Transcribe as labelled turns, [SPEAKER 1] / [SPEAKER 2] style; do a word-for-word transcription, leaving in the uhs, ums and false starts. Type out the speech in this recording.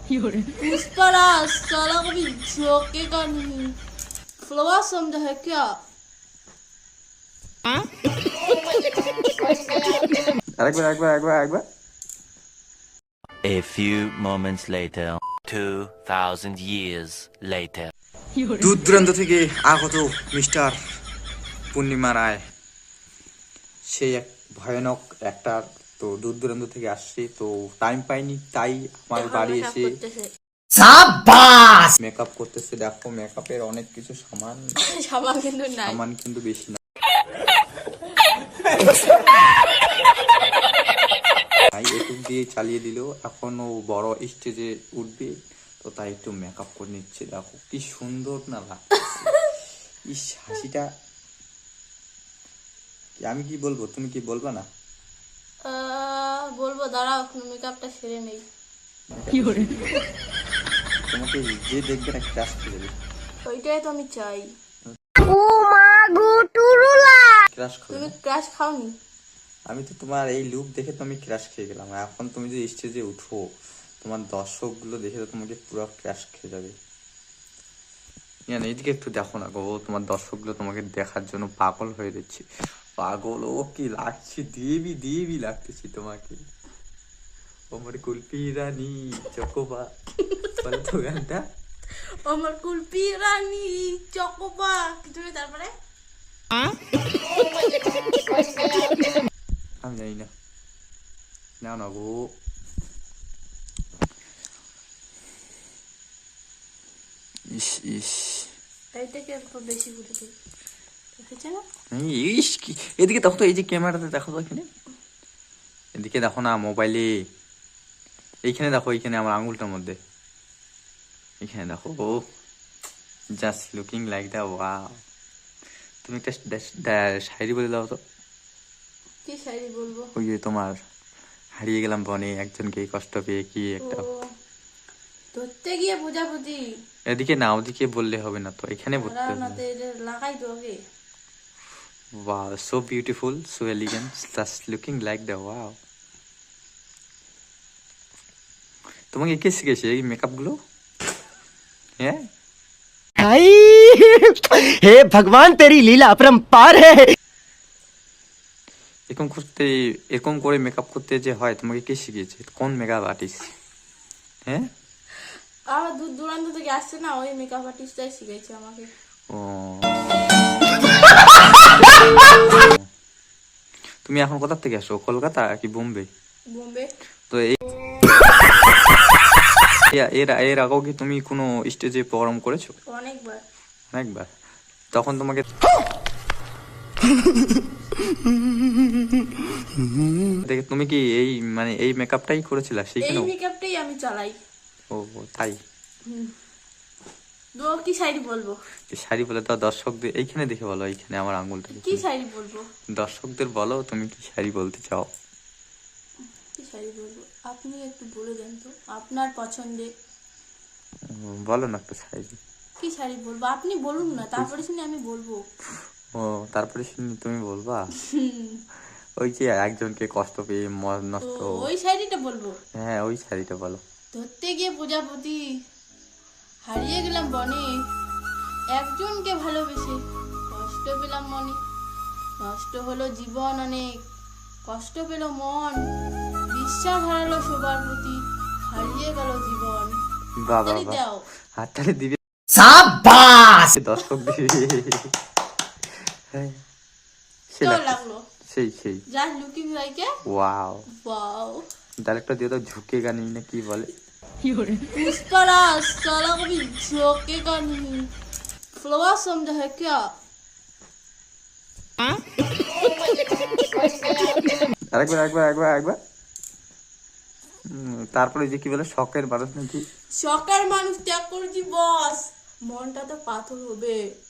[SPEAKER 1] पुष्पराज साला कभी झोंकेगा नहीं फ्लोआ समझा है क्या
[SPEAKER 2] আরেকবার একবার একবার একবার
[SPEAKER 3] A few moments later, two thousand years later.
[SPEAKER 2] দূর দূরান্ত থেকে আগত মিস্টার পূর্ণিমা রায়, সেই এক ভয়ানক অ্যাক্টার। তো দূর দূরান্ত থেকে আসছে, তো টাইম পাইনি, তাই আমার বাড়ি এসে মেকআপ করতেছে। দেখো মেকআপের অনেক কিছু সামান
[SPEAKER 1] সামান কিন্তু নাই,
[SPEAKER 2] সামান কিন্তু বেশি না, তাই একটু দিয়ে চালিয়ে দিল। এখন ও বড় স্টেজে উঠবে, তো তাই একটু মেকআপ করে নিচ্ছে। দেখো কি সুন্দর না লাগছে, ইস হাসিটা। আমি কি বলবো, তুমি কি বলবা না?
[SPEAKER 1] বলবো, দাঁড়াও মেকআপটা সেরে নেই।
[SPEAKER 2] তোমাকে যে দেখবে না ক্রাশ খেয়ে যাবে,
[SPEAKER 1] ওইটাই তো আমি চাই।
[SPEAKER 4] ও মা গো টুরুলা,
[SPEAKER 2] ক্রাশ খাবে
[SPEAKER 1] তুমি
[SPEAKER 2] না?
[SPEAKER 1] ক্রাশ খাওনি?
[SPEAKER 2] আমি তো তোমার এই লুক দেখে তো আমি ক্রাশ খেয়ে গেলাম। এখন তুমি যদি স্টেজে উঠো, তোমার দর্শক গুলো দেখে তো তোমাকে পুরো ক্রাশ খেয়ে যাবে। এইদিকে একটু দেখো না গো, তোমার দর্শক গুলো তোমাকে দেখার জন্য পাগল হয়ে যাচ্ছে। পাগল, ও কি লাগছে, দেবী দেবী লাগতেছি তোমাকে। আমার কুলপি রানী চকোবা, বলো তো গানটা।
[SPEAKER 1] আমার কুলপি রানী চকোবা, তুমি তারপরে
[SPEAKER 2] আমি জানি না, না না গো। ইস ইস,
[SPEAKER 1] এইটাকে একটু বেশি করে দিই, দেখেছে না?
[SPEAKER 2] ইস কি, এদিকে দেখো তো, এই যে ক্যামেরাতে দেখো তো, এখানে এদিকে দেখো না, মোবাইলে এইখানে দেখো, এইখানে আমার আঙুলটার মধ্যে, এখানে দেখো। ও just looking like the wow. তুমি একটা শায়রি বলে দাও তো।
[SPEAKER 1] কি শায়রি বলবো?
[SPEAKER 2] ওই যে তোমার হারিয়ে গেলাম বনে, একজনকে কষ্ট পেয়ে, কি একটা।
[SPEAKER 1] ধরতে গিয়ে বোঝাবুঝি।
[SPEAKER 2] এদিকে না, ওদিকে বললে হবে না তো, এখানে বলতে হবে।
[SPEAKER 1] লাগাই তো আগে।
[SPEAKER 2] Wow, so beautiful, so elegant, just looking like the wow. তোমাকে কে শিখেছে এই মেকআপ গুলো? হ্যাঁ,
[SPEAKER 5] हे भगवान तेरी लीला अपरंपार है।
[SPEAKER 2] এরকম করতে, এরকম করে মেকআপ করতে যে হয়, তোমাকে কে শিখিয়েছে? কোন মেকআপ আর্টিস্ট? হ্যাঁ,
[SPEAKER 1] আমার দূর দূরান্ত থেকে আসছে না, ওই মেকআপ আর্টিস্টটাই শিখেছে আমাকে।
[SPEAKER 2] ও তুমি এখন কোথা থেকে আসো, কলকাতা কি বোম্বে?
[SPEAKER 1] বোম্বে।
[SPEAKER 2] তো এই এর এর আগেও কি তুমি কোনো স্টেজে প্রোগ্রাম করেছো?
[SPEAKER 1] অনেকবার।
[SPEAKER 2] অনেকবার। তখন তোমাকে দেখে তুমি কি এই মানে এই মেকআপটাই করেছিলা
[SPEAKER 1] এই
[SPEAKER 2] সেখানেও?
[SPEAKER 1] মেকআপটাই আমি চালাই।
[SPEAKER 2] ও তাই।
[SPEAKER 1] তো কি শায়রি বলবো?
[SPEAKER 2] শাড়ি বলে তো দর্শকদের এইখানে দেখে বলো, এইখানে আমার আঙ্গুলটা
[SPEAKER 1] কি শায়রি বলবো?
[SPEAKER 2] দর্শকদের বলো তুমি কি শাড়ি বলতে চাও।
[SPEAKER 1] কি শায়রি বলবো আপনি একটু বলে দেন তো, আপনার পছন্দে।
[SPEAKER 2] বলো না একটা শাড়ি।
[SPEAKER 1] কি শাড়ি বলবো আপনি বলুন না, তারপরে শুনে আমি বলবো।
[SPEAKER 2] ও তারপরে শুনি তুমি বলবা? ওই যে একজনকে কষ্ট পেয়ে মন নষ্ট,
[SPEAKER 1] ওই শাড়িটা বলবো?
[SPEAKER 2] হ্যাঁ ওই শাড়িটা বলো।
[SPEAKER 1] ধরতে গিয়ে প্রজাপতি, হারিয়ে গেলাম বনে, একজনকে ভালোবেসে কষ্ট পেলাম মনে, নষ্ট হলো জীবন অনেক, কষ্ট পেল মন, বিশ্বাস হারালো সবার প্রতি, হারিয়ে গেল জীবন।
[SPEAKER 2] বাবা
[SPEAKER 1] হাততালি দাও।
[SPEAKER 2] হাততালি দিবে,
[SPEAKER 5] शाबाश।
[SPEAKER 2] দর্শক দিবে। হ্যাঁ, সেই
[SPEAKER 1] কেমন
[SPEAKER 2] লাগছে।
[SPEAKER 1] লাগলো?
[SPEAKER 2] সেই সেই
[SPEAKER 1] just looking like a
[SPEAKER 2] wow.
[SPEAKER 1] Wow.
[SPEAKER 2] Director দিয়ে তো ঝুঁকেগা নি না কি বলে?
[SPEAKER 1] पुष्पराज साला कभी झोंकेगा नहीं फ्लोआ समझा है क्या?
[SPEAKER 2] আরেকবার একবার একবার একবার তারপরে যে কি বলে, শখের মানুষ নাকি?
[SPEAKER 1] শখের মানুষ ত্যাগ করেছি বস, মনটা তো পাথর হবে।